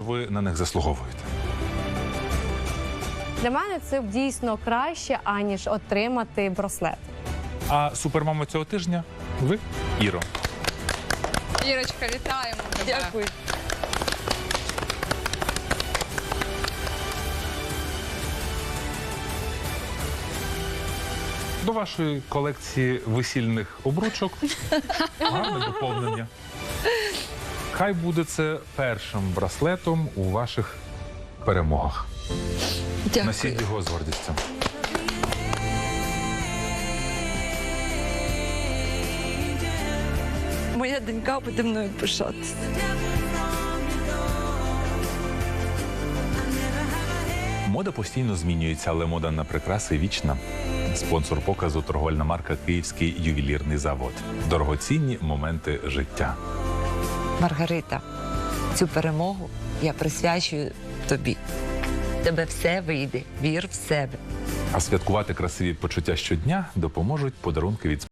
ви на них заслуговуєте? Для мене це дійсно краще, аніж отримати браслет. А супермама цього тижня – ви, Іро. Ірочка, вітаємо тебе. Дякую. До вашої колекції весільних обручок гарне доповнення. Хай буде це першим браслетом у ваших перемогах. Дякую. Носіть його з гордістю. Моя донька буде мною пишатися. Мода постійно змінюється, але мода на прикраси вічна. Спонсор показу – торговельна марка «Київський ювелірний завод». Дорогоцінні моменти життя. Маргарита, цю перемогу я присвячую тобі. В тебе все вийде, вір в себе. А святкувати красиві почуття щодня допоможуть подарунки від